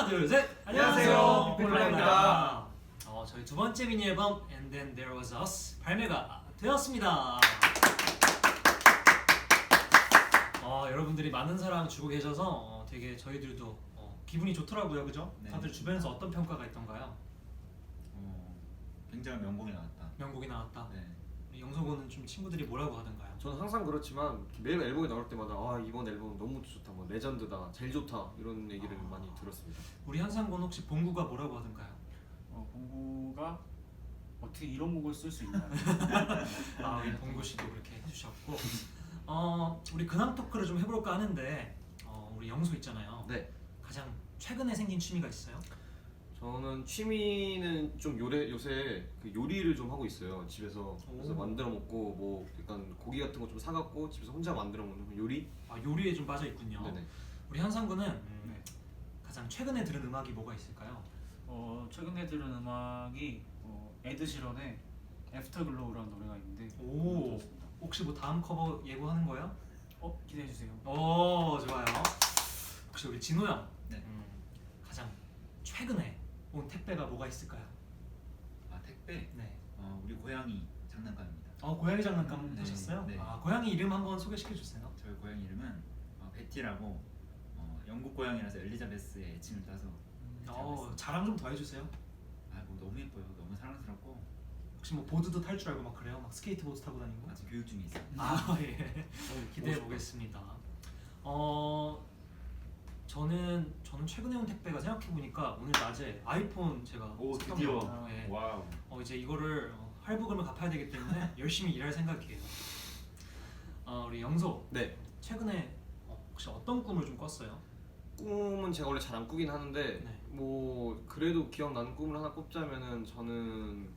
하나 둘 셋. 안녕하세요, 빅폴라입니다. 저희 두 번째 미니 앨범 And Then There Was Us 발매가 되었습니다. 여러분들이 많은 사랑 주고 계셔서 되게 저희들도 기분이 좋더라고요, 그죠? 네. 다들 주변에서 어떤 평가가 있던가요? 굉장히 명곡이 나왔다. 명곡이 나왔다. 네. 우리 영석이는 좀 친구들이 뭐라고 하던가요? 저는 항상 그렇지만 매일 앨범이 나올 때마다 이번 앨범 너무 좋다, 뭐 레전드다, 제일 좋다 이런 얘기를 많이 들었습니다. 우리 현상군 혹시 봉구가 뭐라고 하던가요? 봉구가 어떻게 이런 곡을 쓸 수 있나요? 우리 봉구 씨도 그렇게 해주셨고, 우리 근황 토크를 좀 해볼까 하는데, 우리 영소 있잖아요. 네. 가장 최근에 생긴 취미가 있어요? 저는 취미는 좀 요새 그 요리를 좀 하고 있어요, 집에서. 그래서 오. 만들어 먹고 뭐 약간 고기 같은 거 좀 사갖고 집에서 혼자 만들어 먹는 요리. 요리에 좀 빠져 있군요. 네네. 우리 현상군은 네. 가장 최근에 들은 음악이 뭐가 있을까요? 최근에 들은 음악이 에드 시런의 애프터글로우라는 노래가 있는데 오. 들었습니다. 혹시 뭐 다음 커버 예고하는 거예요? 기대해 주세요. 오, 좋아요. 혹시 우리 진호 형, 네. 가장 최근에 온 택배가 뭐가 있을까요? 택배. 네. 우리 고양이 장난감입니다. 고양이 장난감 네, 하셨어요? 네. 고양이 이름 한번 소개시켜 주세요. 저희 고양이 이름은 베티라고 영국 고양이라서 엘리자베스의 애칭을 따서 자랑 좀 더 해주세요. 뭐 너무 예뻐요. 너무 사랑스럽고 혹시 뭐 보드도 탈 줄 알고 막 그래요? 막 스케이트보드 타고 다니고? 아직 교육 중에 있어요. 예. 기대해 보겠습니다. 저는 최근에 온 택배가 생각해 보니까 오늘 낮에 아이폰 제가 오, 샀던 드디어. 거예요. 예. 와우. 이제 이거를 할부금을 갚아야 되기 때문에 열심히 일할 생각이에요. 우리 영소. 네. 최근에 혹시 어떤 꿈을 좀 꿨어요? 꿈은 제가 원래 잘 안 꾸긴 하는데 네. 뭐 그래도 기억나는 꿈을 하나 꼽자면은 저는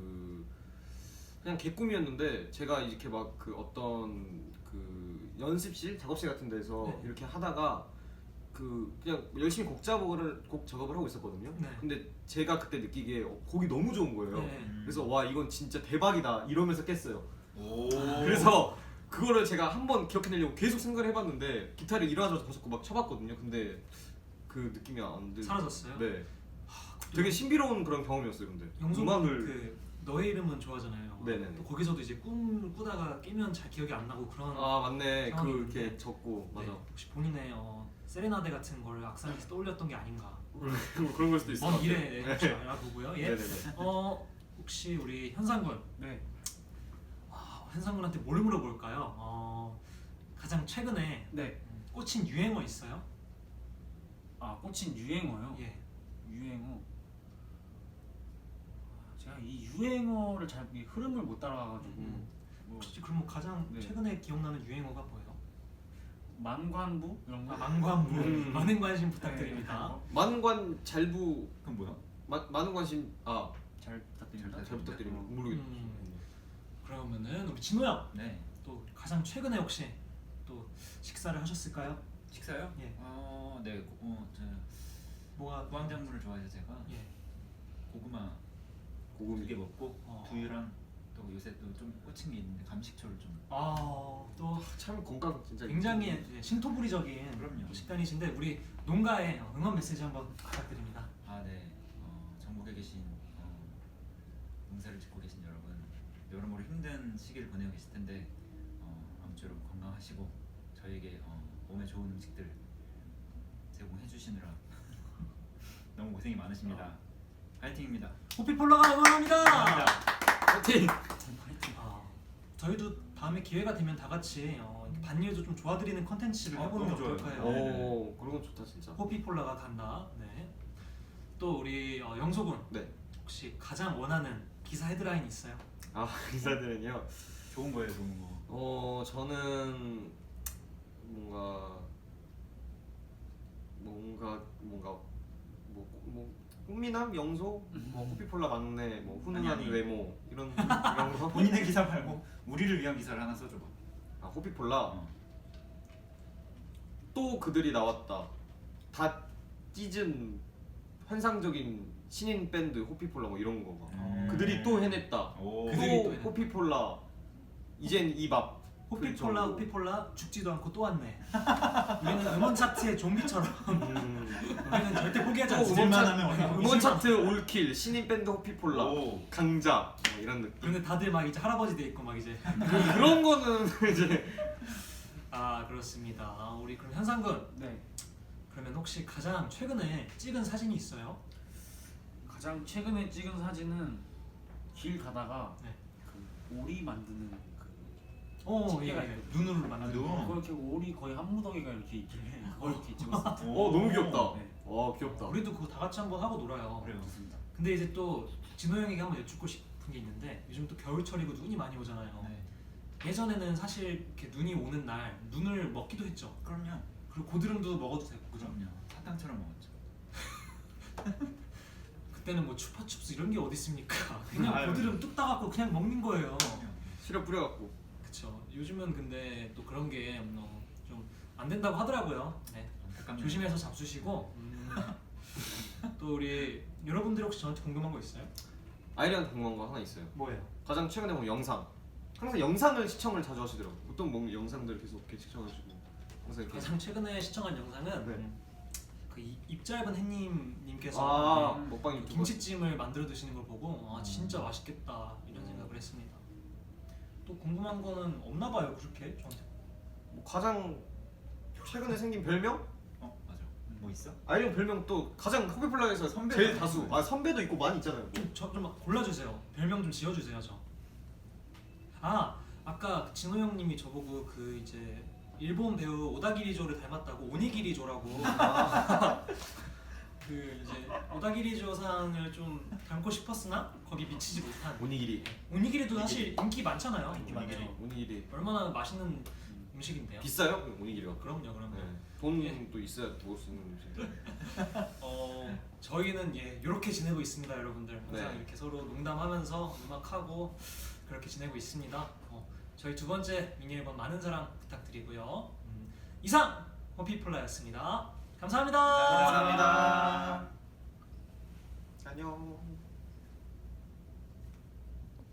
그냥 개꿈이었는데 제가 이렇게 막 그 어떤 그 연습실, 작업실 같은 데서 네. 이렇게 하다가 그냥 열심히 곡 작업을 하고 있었거든요. 네. 근데 제가 그때 느끼기에 곡이 너무 좋은 거예요. 네. 그래서 와, 이건 진짜 대박이다 이러면서 깼어요. 오. 그래서 그거를 제가 한번 기억해내려고 계속 생각을 해봤는데 기타를 일어나자마자 자꾸 막 쳐봤거든요. 근데 그 느낌이 안 들. 사라졌어요? 네. 되게 신비로운 그런 경험이었어요. 근데 영소는 그 너의 이름은 좋아하잖아요. 네네네. 또 거기서도 이제 꿈을 꾸다가 깨면 잘 기억이 안 나고 그런. 맞네. 상황이 그 있는데. 이렇게 적고 맞아. 네. 혹시 본인의 세레나데 같은 걸 악상에서 떠올렸던 게 아닌가? 그런 걸 수도 있을 것 먼 같아요. 미래에 혹시 알아보고요. 예. 네네네. 혹시 우리 현상군. 네. 현상군한테 뭘 물어볼까요? 가장 최근에 네. 꽂힌 유행어 있어요? 꽂힌 유행어요. 예. 유행어. 제가 이 유행어를 잘 이 흐름을 못 따라가가지고 뭐 혹시 그럼 뭐 가장 네. 최근에 기억나는 유행어가 뭐예요? 만관부 이런 거. 만관부. 많은 관심 네, 부탁드립니다. 만관 잘부 그럼 뭐야? 많은 관심 잘 부탁드립니다. 잘 부탁드립니다. 어. 모르겠어요. 그러면은 우리 진호 형. 네. 또 가장 최근에 혹시 또 식사를 하셨을까요? 식사요? 예. 네. 저 뭐가 구황작물을 좋아해서 제가 예. 고구마 고구마. 2개 먹고 두유랑 또 요새 또 좀 꽂힌 게 있는데 감식초를 좀. 또 참 건강 진짜 굉장히 신토부리적인 그럼요. 식단이신데 우리 농가에 응원 메시지 한번 부탁드립니다. 네. 전국에 계신 농사를 짓고 계신 여러분, 여러모로 힘든 시기를 보내고 계실 텐데 아무쪼록 건강하시고 저희에게 몸에 좋은 음식들 제공해 주시느라 너무 고생이 많으십니다. 파이팅입니다. 호피폴라가 응원합니다. 감사합니다. 파이팅! 저희도 다음에 기회가 되면 다 같이 이렇게 반일도 좀 도와드리는 컨텐츠를 해보는 게 너무 좋아요. 어떨까요? 오, 그런 건 좋다 진짜. 호피폴라가 간다. 네. 또 우리 영소군. 네. 혹시 가장 원하는 기사 헤드라인 있어요? 기사들은요. 좋은 거예요, 좋은 거. 저는 뭔가 꽃미남, 영소, 호피폴라 막내, 훈훈한 아니. 외모 이런 거. 본인의 기사 말고 우리를 위한 기사를 하나 써줘봐. 호피폴라 또 그들이 나왔다. 다 찢은 환상적인 신인 밴드 호피폴라 뭐 이런 거 막. 그들이 또 해냈다. 오. 그들이 또 해냈다. 호피폴라 이젠 이밥 호피폴라 정도. 호피폴라 죽지도 않고 또 왔네. 우리는 음원 차트의 좀비처럼 우리는 절대 포기하지 또 않습니다. 음원 하면 어디 음원 차트 올킬 신인 밴드 호피폴라 오. 강자 뭐 이런 느낌. 그런데 다들 막 이제 할아버지 돼 있고 막 이제 그런 거는 이제 아 그렇습니다. 우리 그럼 현상군 네. 그러면 혹시 가장 최근에 찍은 사진이 있어요? 가장 최근에 찍은 사진은 길 가다가 네. 그 오리 만드는 그 예, 집게가 예. 있거든요. 눈으로 만든 눈. 거. 그렇게 오리 거의 한 무더기가 이렇게 있길래 그걸 이렇게 찍었어요. 너무 귀엽다. 네. 귀엽다. 우리도 그거 다 같이 한번 하고 놀아요. 그래요. 좋습니다. 근데 이제 또 진호 형에게 한번 여쭙고 싶은 게 있는데 요즘 또 겨울철이고 눈이 많이 오잖아요. 네. 예전에는 사실 이렇게 눈이 오는 날 눈을 먹기도 했죠. 그럼요. 그리고 고드름도 먹어도 되고 그죠? 그럼요. 사탕처럼 먹었죠. 그때는 뭐 추파춥스 이런 게 어디 있습니까? 그냥 아유. 고드름 뚝 따갖고 그냥 먹는 거예요. 그럼요. 시럽 뿌려갖고. 그쵸. 요즘은 근데 또 그런 게 좀 안 된다고 하더라고요. 네. 안타깝네요. 조심해서 잡수시고 또 우리 여러분들 혹시 저한테 궁금한 거 있어요? 아이리한테 궁금한 거 하나 있어요. 뭐예요? 가장 최근에 본 영상. 항상 영상을 시청을 자주 하시더라고. 어떤 뭐 영상들 계속 이렇게 시청하시고 항상 이렇게. 가장 최근에 시청한 영상은 네. 그 입 짧은 햇님님께서 먹방 유튜버. 김치찜을 만들어 드시는 걸 보고 진짜 맛있겠다 이런 생각을 했습니다. 또 궁금한 거는 없나 봐요 그렇게 저한테. 뭐 가장 최근에 생긴 별명? 맞아. 뭐 있어? 아이리 형 별명 또 가장 호피폴라에서 선배가 제일 있어요. 다수. 선배도 있고 많이 있잖아요. 뭐. 좀 골라주세요. 별명 좀 지어주세요 저. 아까 진호 형님이 저보고 그 이제 일본 배우 오다기리조를 닮았다고 오니기리조라고 그 이제 오다기리조상을 좀 닮고 싶었으나 거기 미치지 못한 오니기리. 오니기리도 사실 인기 많잖아요. 인기 오니기리. 많죠. 오니기리. 얼마나 맛있는 음식인데요. 비싸요? 오니기리가. 그럼요. 네. 예. 돈도 있어야 먹을 수 있는 음식. 저희는 이렇게 지내고 있습니다, 여러분들. 항상 네. 이렇게 서로 농담하면서 음악하고 그렇게 지내고 있습니다. 저희 두 번째 미니 앨범 많은 사랑 부탁드리고요. 이상 호피폴라였습니다. 감사합니다. 감사합니다.